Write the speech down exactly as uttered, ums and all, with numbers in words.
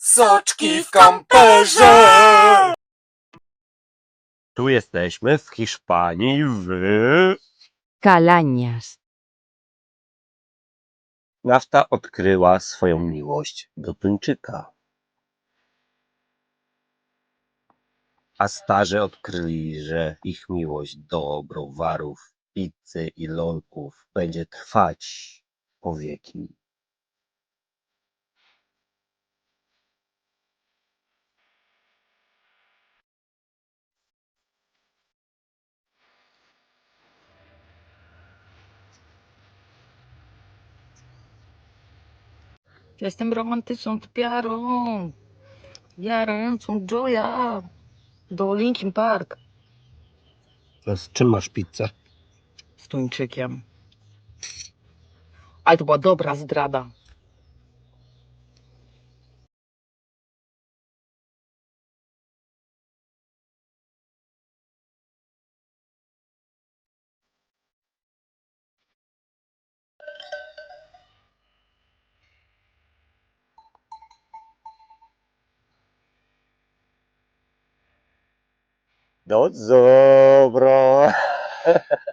Soczki w kamperze! Tu jesteśmy w Hiszpanii, w... Całañas. Nafta odkryła swoją miłość do tuńczyka. A starzy odkryli, że ich miłość do browarów, pizzy i lolków będzie trwać po wieki. Jestem romantyczną typiarą, jarającą Joya do Linkin Park Z czym masz pizzę? z tuńczykiem. Ale to była dobra zdrada. No dobra.